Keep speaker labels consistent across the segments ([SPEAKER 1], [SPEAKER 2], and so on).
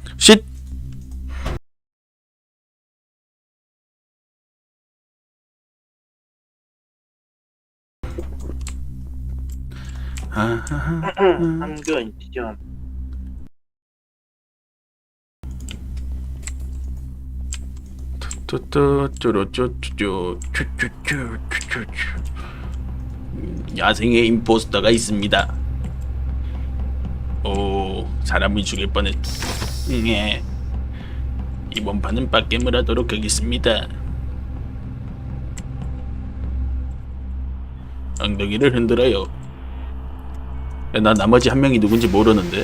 [SPEAKER 1] 쉿!
[SPEAKER 2] 한근 지점.
[SPEAKER 1] 야생의 임포스터가 있습니다. 오, 사람을 죽일 뻔했. 예. 이번 판은 빡겜을 하도록 하겠습니다. 엉덩이를 흔들어요. 야, 나 나머지 한 명이 누군지 모르는데.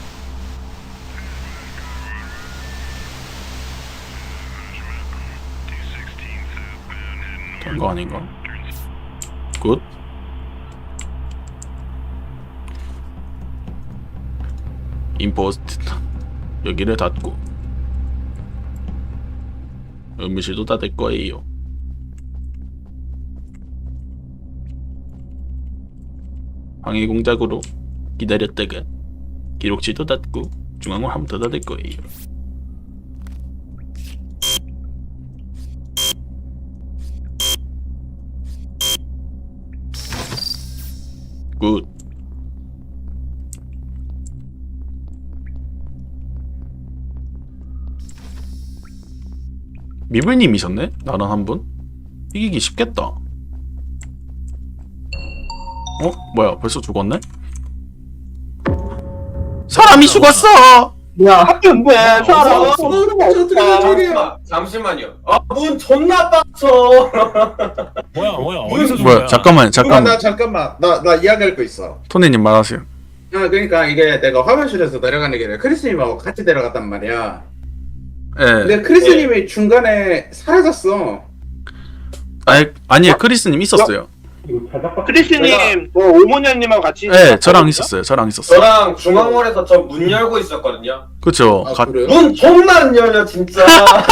[SPEAKER 1] 된 거 아닌가? 굿. 임포스트 여기를 닫고 의무실도 닫을 거예요. 방해 공작으로 기다렸다가 기록실도 닫고 중앙을 한 번 더 닫을 거예요. 굿. 미블님이셨네? 나랑 한 분? 이기기 쉽겠다. 어? 뭐야, 벌써 죽었네? 사람이 죽었어!
[SPEAKER 2] 야, 근데 사람
[SPEAKER 3] 잠시만요. 문 존나 빡쳐.
[SPEAKER 4] 뭐야 어디서 준
[SPEAKER 1] 뭐야,
[SPEAKER 4] 거야?
[SPEAKER 1] 잠깐만.
[SPEAKER 5] 나 잠깐만 나 이야기할 거 있어.
[SPEAKER 1] 토니님 말하세요.
[SPEAKER 5] 그러니까 이게 내가 화면실에서 내려가는 길에 크리스님하고 같이 내려갔단 말이야.
[SPEAKER 1] 예.
[SPEAKER 5] 근데 크리스님이 중간에 사라졌어.
[SPEAKER 1] 아니에요. 크리스님 있었어요.
[SPEAKER 2] 크리스님, 오모녀님하고 같이.
[SPEAKER 1] 예, 저랑 있었어요.
[SPEAKER 3] 저랑 중앙홀에서 저 문 열고 있었거든요.
[SPEAKER 1] 그쵸.
[SPEAKER 5] 그래요?
[SPEAKER 3] 문 존나 안 열려 진짜.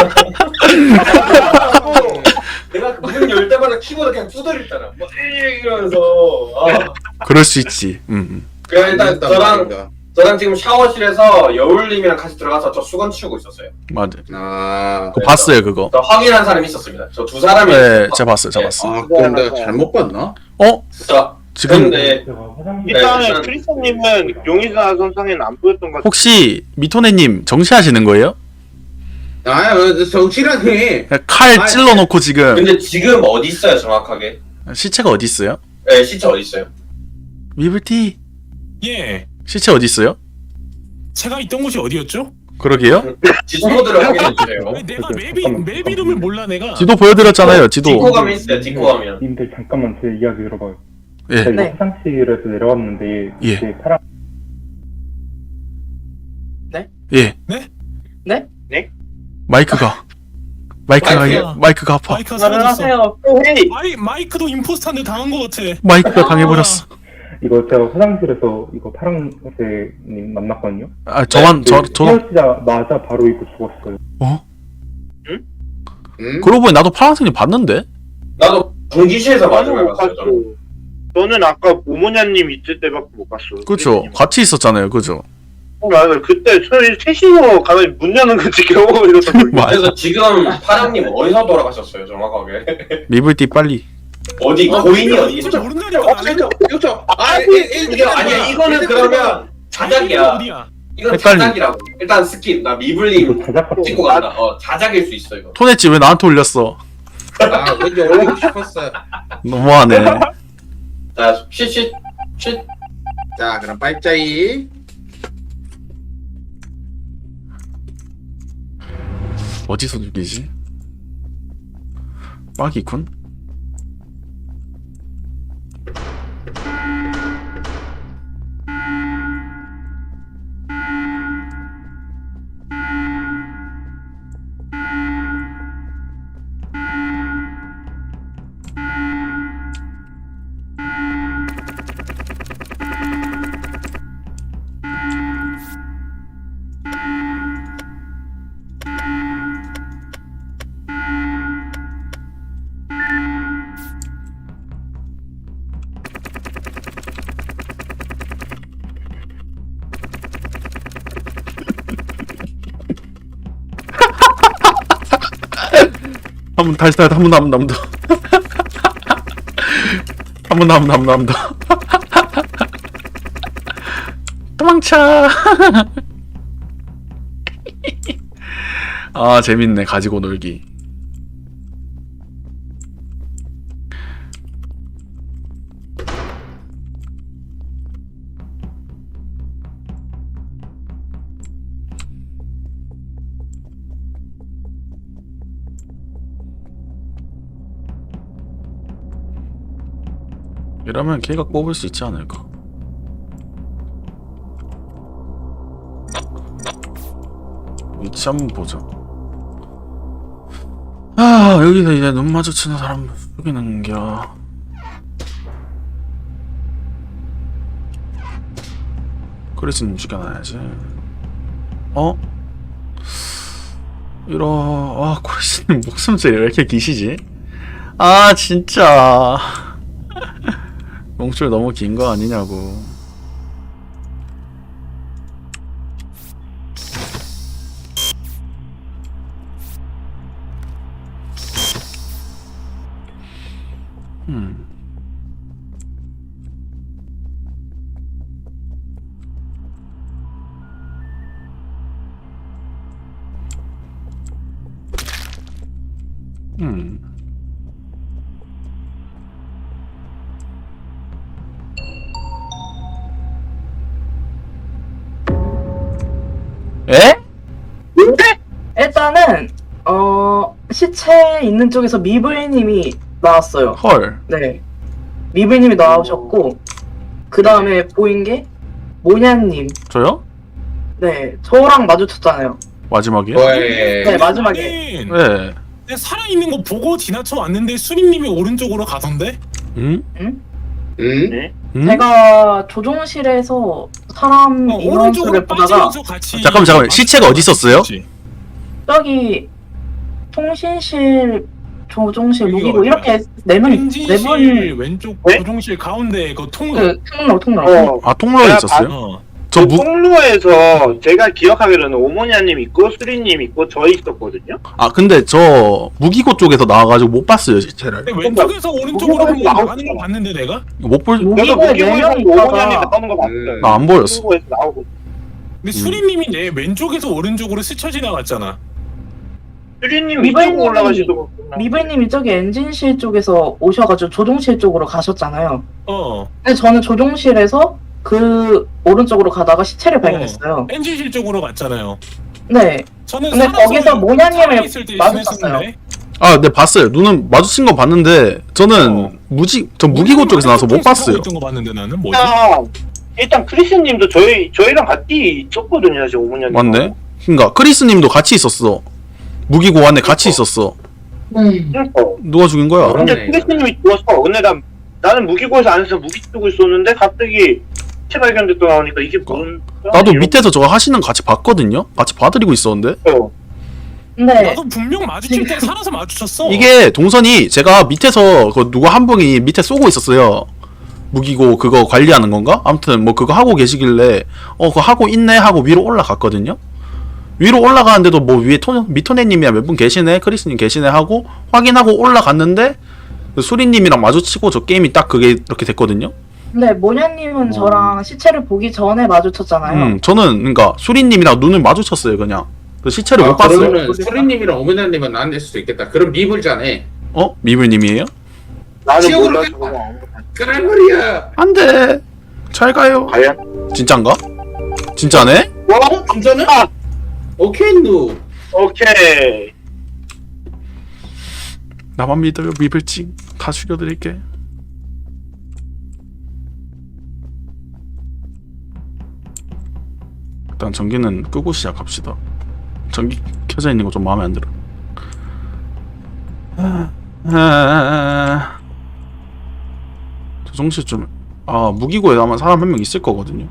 [SPEAKER 3] 내가 문 열 때마다 키보드 그냥 두드렸잖아. 뭐 이러면서.
[SPEAKER 1] 그럴 수 있지.
[SPEAKER 3] 그냥 일단 저랑 지금 샤워실에서 여울님이랑 같이 들어가서 저 수건 치우고 있었어요.
[SPEAKER 1] 맞아.
[SPEAKER 5] 아,
[SPEAKER 1] 그거 봤어요, 그거.
[SPEAKER 3] 저 확인한 사람이 있었습니다. 저 두 사람이.
[SPEAKER 1] 네, 제가 봤어요.
[SPEAKER 5] 그럼 내가 잘못 봤나?
[SPEAKER 1] 어?
[SPEAKER 3] 진짜.
[SPEAKER 1] 지금
[SPEAKER 3] 근데
[SPEAKER 2] 일단은
[SPEAKER 3] 네,
[SPEAKER 2] 크리스님은 용의자 선상에는 안 보였던 것 같아요.
[SPEAKER 1] 혹시 미토네님 정시하시는 거예요?
[SPEAKER 5] 정치라니.
[SPEAKER 1] 칼 찔러놓고 지금
[SPEAKER 3] 근데 지금 어디 있어요 정확하게?
[SPEAKER 1] 시체가 어디 있어요?
[SPEAKER 3] 네 시체 어디 있어요?
[SPEAKER 1] 미블티
[SPEAKER 4] 예,
[SPEAKER 1] 시체 어디 있어요?
[SPEAKER 4] 제가 있던 곳이 어디였죠?
[SPEAKER 1] 그러게요.
[SPEAKER 3] 지도들을 확인해 주세요.
[SPEAKER 4] 왜 내가 맵 이름을 몰라 내가.
[SPEAKER 1] 지도 보여드렸잖아요. 지도.
[SPEAKER 3] 뒷코 가면 있어요. 뒷코 가면.
[SPEAKER 6] 님들 잠깐만 제 이야기 들어봐요.
[SPEAKER 1] 예.
[SPEAKER 6] 제가 이거 화장실에서 내려왔는데
[SPEAKER 1] 예.
[SPEAKER 6] 이제 파란
[SPEAKER 1] 예.
[SPEAKER 2] 네?
[SPEAKER 1] 마이크가
[SPEAKER 3] 마이크요?
[SPEAKER 1] 마이크가 아파.
[SPEAKER 4] 마이크가 사라졌어.
[SPEAKER 2] 헤이.
[SPEAKER 4] 마이크도 임포스터한테 당한 것 같아.
[SPEAKER 1] 마이크가 당해버렸어.
[SPEAKER 6] 이거 제가 화장실에서 이거 파랑새님 만났거든요.
[SPEAKER 1] 아 저만 저도
[SPEAKER 6] 헤어지자마자 바로 이거 죽었어요.
[SPEAKER 1] 어?
[SPEAKER 5] 응?
[SPEAKER 1] 그러고 보니 나도 파란색님 봤는데.
[SPEAKER 3] 나도 전기실에서 마지막에
[SPEAKER 2] 못
[SPEAKER 3] 봤어요. 저는.
[SPEAKER 2] 봤어. 저는 아까 오모녀님 있을 때밖에 못 봤어.
[SPEAKER 1] 그죠.
[SPEAKER 2] 크리스님.
[SPEAKER 1] 같이 있었잖아요. 그죠.
[SPEAKER 2] 맞아. 그때 저희 셋이서 가만히 문 여는 거 지켜보고 이러던 거.
[SPEAKER 3] 그래서 지금 파랑님 어디서 돌아가셨어요 정확하게?
[SPEAKER 1] 미블티 빨리.
[SPEAKER 3] 어디 고인이 어디
[SPEAKER 4] 진짜
[SPEAKER 3] 있죠?
[SPEAKER 4] 모른다니까.
[SPEAKER 5] 이거
[SPEAKER 3] 이게 아니야 이거는 그러면 자작이야.
[SPEAKER 4] 어디야?
[SPEAKER 3] 이건
[SPEAKER 1] 헷갈리.
[SPEAKER 3] 자작이라고. 일단 스킵. 나
[SPEAKER 6] 이거
[SPEAKER 3] 미블님
[SPEAKER 6] 자작 같은
[SPEAKER 3] 찍고 간다. 자작일 수 있어 이거.
[SPEAKER 1] 토네치 왜 나한테 올렸어?
[SPEAKER 5] 왠지 올리고 싶었어요.
[SPEAKER 1] 너무하네.
[SPEAKER 3] 자 쉿.
[SPEAKER 5] 자, 그럼 빨짜이.
[SPEAKER 1] 어디서 죽이지? 빠기군? 한번 다시 한 번 더, 한 번 더. 한 번 더, 한 번 더, 한 번 더, 한 번 더. 도망쳐. 아, 재밌네. 가지고 놀기. 이러면 걔가 뽑을 수 있지 않을까? 위치 한번 보자. 아, 여기서 이제 눈 마주치는 사람 속이는겨. 크리스님 죽여놔야지. 어? 아, 크리스님 목숨소리 왜 이렇게 기시지? 아, 진짜. 몽줄 너무 긴 거 아니냐고. 에?
[SPEAKER 7] 일단은 시체 있는 쪽에서 미블님이 나왔어요.
[SPEAKER 1] 헐.
[SPEAKER 7] 네, 미블님이 나오셨고 그 다음에 보인 게 모냐님.
[SPEAKER 1] 저요?
[SPEAKER 7] 네, 저랑 마주쳤잖아요.
[SPEAKER 1] 마지막이요?
[SPEAKER 5] 왜?
[SPEAKER 7] 네, 마지막에.
[SPEAKER 1] 네.
[SPEAKER 4] 내가 살아있는 거 보고 지나쳐 왔는데 수림님이 오른쪽으로 가던데?
[SPEAKER 1] 응?
[SPEAKER 5] 응?
[SPEAKER 1] 응?
[SPEAKER 7] 제가 조종실에서 사람 인원수를
[SPEAKER 4] 오른쪽으로
[SPEAKER 7] 보다가
[SPEAKER 4] 빠지면서 같이.
[SPEAKER 1] 잠깐만. 시체가 어디 있었어요?
[SPEAKER 7] 저기 통신실, 조종실,
[SPEAKER 4] 여기가
[SPEAKER 7] 무기고
[SPEAKER 4] 어디야?
[SPEAKER 7] 이렇게 네분
[SPEAKER 4] 엔진실 왼쪽
[SPEAKER 2] 네?
[SPEAKER 4] 조종실 가운데 그 통로.
[SPEAKER 7] 그 통로.
[SPEAKER 1] 아, 통로에
[SPEAKER 2] 내가
[SPEAKER 1] 있었어요?
[SPEAKER 4] 어.
[SPEAKER 1] 저
[SPEAKER 2] 통로에서 제가 기억하기로는 오모니아님 있고 수리님 있고 저 있었거든요.
[SPEAKER 1] 근데 저 무기고 쪽에서 나와가지고 못 봤어요, 시체를.
[SPEAKER 4] 근데 왼쪽에서 오른쪽으로
[SPEAKER 2] 무기고에서
[SPEAKER 4] 한번 나가는 걸
[SPEAKER 2] 나오잖아.
[SPEAKER 4] 봤는데 내가?
[SPEAKER 1] 못 볼,
[SPEAKER 7] 무-
[SPEAKER 2] 저도
[SPEAKER 7] 무기고에
[SPEAKER 2] 무기고에서
[SPEAKER 7] 4명
[SPEAKER 2] 오모니아님
[SPEAKER 7] 있다가
[SPEAKER 2] 나오는 거 봤어요.
[SPEAKER 1] 나 안 보였어.
[SPEAKER 2] 무기고에서 나오고
[SPEAKER 4] 근데 수림님이 내 왼쪽에서 오른쪽으로 스쳐 지나갔잖아.
[SPEAKER 2] 수리님
[SPEAKER 7] 미발님이-
[SPEAKER 2] 이쪽으로 올라가시고
[SPEAKER 7] 미블님이 저기 엔진실 쪽에서 오셔가지고 조종실 쪽으로 가셨잖아요.
[SPEAKER 4] 어.
[SPEAKER 7] 근데 저는 조종실에서 그 오른쪽으로 가다가 시체를 발견했어요.
[SPEAKER 4] 엔진실 쪽으로 갔잖아요.
[SPEAKER 7] 네.
[SPEAKER 4] 저는
[SPEAKER 7] 근데
[SPEAKER 4] 살아서
[SPEAKER 7] 거기서 모냐님을
[SPEAKER 4] 살아있을 때
[SPEAKER 7] 마주쳤어요.
[SPEAKER 4] 지냈었는데.
[SPEAKER 1] 네, 봤어요. 눈은 마주친 거 봤는데, 저는 저 무기고 쪽에서 나와서 못 봤어요.
[SPEAKER 4] 있던 거 봤는데 나는 뭐지?
[SPEAKER 2] 일단 크리스님도 저희랑 같이 있었거든요, 저 오모니아님.
[SPEAKER 1] 맞네? 그니까, 크리스님도 같이 있었어. 무기고 안에 같이 있었어.
[SPEAKER 2] 그러니까.
[SPEAKER 1] 누가 죽인 거야?
[SPEAKER 5] 그럼-
[SPEAKER 2] 근데
[SPEAKER 5] 그러네,
[SPEAKER 2] 크리스님이 죽었어. 근데 나는 무기고에서 안에서 무기 쓰고 있었는데 갑자기 시체 발견됐다 나오니까 이게 뭔?
[SPEAKER 1] 나도 밑에서 저거 하시는 거 같이 봤거든요? 같이 봐드리고 있었는데?
[SPEAKER 7] 근데
[SPEAKER 4] 나도 분명 마주칠 때 살아서 마주쳤어.
[SPEAKER 1] 이게 동선이 제가 밑에서 그 누가 한 분이 밑에 쏘고 있었어요. 무기고 그거 관리하는 건가? 아무튼 뭐 그거 하고 계시길래 그거 하고 있네 하고 위로 올라갔거든요. 위로 올라가는데도 뭐 위에 미토네님이랑 몇 분 계시네, 크리스님 계시네 하고 확인하고 올라갔는데 그 수리님이랑 마주치고 저 게임이 딱 그게 이렇게 됐거든요.
[SPEAKER 7] 근데 모냐님은 저랑 시체를 보기 전에 마주쳤잖아요.
[SPEAKER 1] 저는 그러니까 수리님이랑 눈을 마주쳤어요 그냥. 그 시체를 못 봤어요.
[SPEAKER 5] 그러면은 수리님이랑 오메나님은 안 될 수도 있겠다. 그럼 미불자네.
[SPEAKER 1] 미블님이에요?
[SPEAKER 2] 나는
[SPEAKER 5] 지옥으로
[SPEAKER 2] 몰라서
[SPEAKER 5] 갔다.
[SPEAKER 2] 그냥
[SPEAKER 5] 그런 말이야.
[SPEAKER 1] 안돼. 잘 가요.
[SPEAKER 2] 과연?
[SPEAKER 1] 진짠가? 진짜네?
[SPEAKER 5] 진짜는? 오케이 누.
[SPEAKER 2] 오케이.
[SPEAKER 1] 나만 믿어요 미블찡. 다 죽여드릴게. 일단 전기는 끄고 시작합시다. 전기 켜져 있는 거 좀 마음에 안 들어. 조정실 좀 무기고에 아마 사람 한 명 있을 거거든요.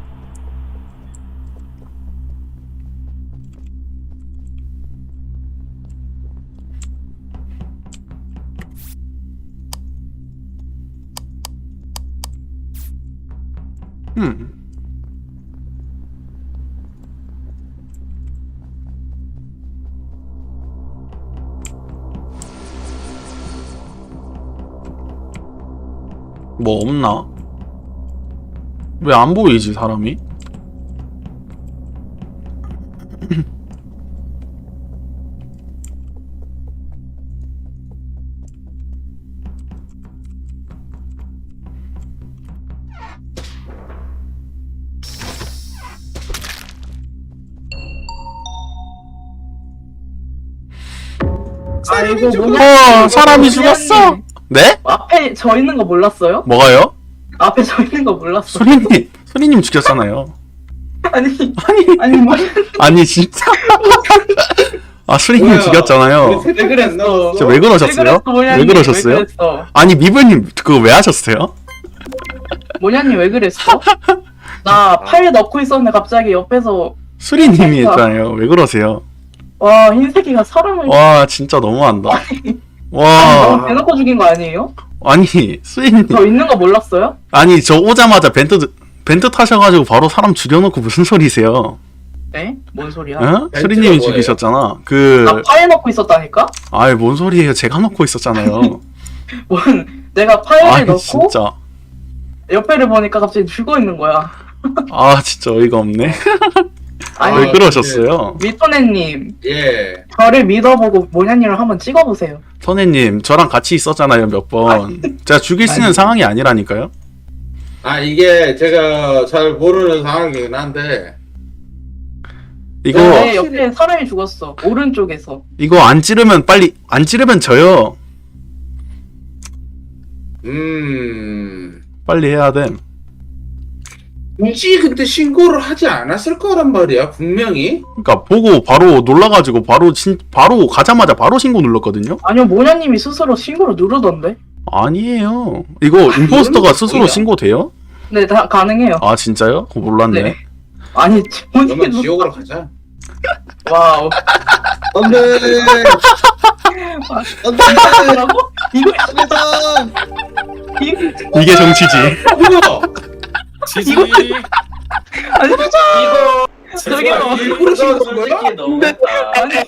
[SPEAKER 1] 뭐 없나? 왜 안 보이지 사람이?
[SPEAKER 7] 아이고
[SPEAKER 1] 사람이 죽었어. 네?
[SPEAKER 7] 앞에 저 있는 거 몰랐어요?
[SPEAKER 1] 뭐가요?
[SPEAKER 7] 앞에 저 있는 거 몰랐어.
[SPEAKER 1] 소리님 죽였잖아요.
[SPEAKER 7] 아니
[SPEAKER 1] 아니
[SPEAKER 7] 아니 뭐
[SPEAKER 1] 아니 진짜. 아 수리님
[SPEAKER 5] 뭐야?
[SPEAKER 1] 죽였잖아요.
[SPEAKER 5] 왜 그랬어?
[SPEAKER 1] 진짜 왜 그러셨어요? 왜 그러셨어요?
[SPEAKER 7] 왜 그랬어?
[SPEAKER 1] 아니 미블님 그거 왜 하셨어요?
[SPEAKER 7] 모냐님 왜 그랬어? 나 팔 넣고 있었는데 갑자기 옆에서
[SPEAKER 1] 수리님이 했잖아요. 왜 그러세요?
[SPEAKER 7] 와 흰색이가 사람을
[SPEAKER 1] 와 진짜 너무한다.
[SPEAKER 7] 너무
[SPEAKER 1] 와
[SPEAKER 7] 대놓고 죽인 거 아니에요?
[SPEAKER 1] 아니 수리님
[SPEAKER 7] 저 있는 거 몰랐어요?
[SPEAKER 1] 아니 저 오자마자 벤트 타셔가지고 바로 사람 죽여놓고 무슨 소리세요?
[SPEAKER 7] 네? 뭔 소리야?
[SPEAKER 1] 어?
[SPEAKER 5] 벤트가
[SPEAKER 1] 수리님이
[SPEAKER 5] 뭐예요?
[SPEAKER 1] 죽이셨잖아.
[SPEAKER 7] 나 파일 넣고 있었다니까?
[SPEAKER 1] 아이 뭔 소리예요? 제가 놓고 있었잖아요.
[SPEAKER 7] 뭔 내가 파일을
[SPEAKER 1] 아니
[SPEAKER 7] 넣고
[SPEAKER 1] 진짜
[SPEAKER 7] 옆에를 보니까 갑자기 죽어 있는 거야.
[SPEAKER 1] 아 진짜 어이가 없네.
[SPEAKER 7] 아니
[SPEAKER 1] 왜 그러셨어요?
[SPEAKER 7] 미토네님
[SPEAKER 5] 예.
[SPEAKER 7] 저를 믿어보고 모냐님을 한번 찍어보세요.
[SPEAKER 1] 선혜님 저랑 같이 있었잖아요 몇 번. 제가 죽일 수 있는
[SPEAKER 7] 아니.
[SPEAKER 1] 상황이 아니라니까요.
[SPEAKER 5] 아 이게 제가 잘 모르는 상황이긴 한데
[SPEAKER 1] 이거
[SPEAKER 7] 내 옆에 사람이 죽었어. 오른쪽에서.
[SPEAKER 1] 이거 안 찌르면 빨리 안 찌르면 져요. 빨리 해야 돼.
[SPEAKER 5] 굳이 근데 신고를 하지 않았을 거란 말이야 분명히.
[SPEAKER 1] 그러니까 보고 바로 놀라가지고 바로 가자마자 바로 신고 눌렀거든요.
[SPEAKER 7] 아니요 모냐님이 스스로 신고를 누르던데.
[SPEAKER 1] 아니에요. 이거 임포스터가 스스로
[SPEAKER 5] 뭐야?
[SPEAKER 1] 신고돼요?
[SPEAKER 7] 네, 다 가능해요.
[SPEAKER 1] 아 진짜요? 그거 몰랐네.
[SPEAKER 7] 네. 아니
[SPEAKER 5] 그러면
[SPEAKER 7] 본인도
[SPEAKER 5] 지옥으로 가자.
[SPEAKER 7] 와우.
[SPEAKER 5] 안돼.
[SPEAKER 7] 뭐라고? 이거
[SPEAKER 1] 이게 정치지.
[SPEAKER 5] 뭐야?
[SPEAKER 4] 지지.
[SPEAKER 7] 아니
[SPEAKER 4] 이거
[SPEAKER 7] 저기요.
[SPEAKER 5] 일부러 신고한 거야?
[SPEAKER 3] 솔직히 너무
[SPEAKER 7] 아니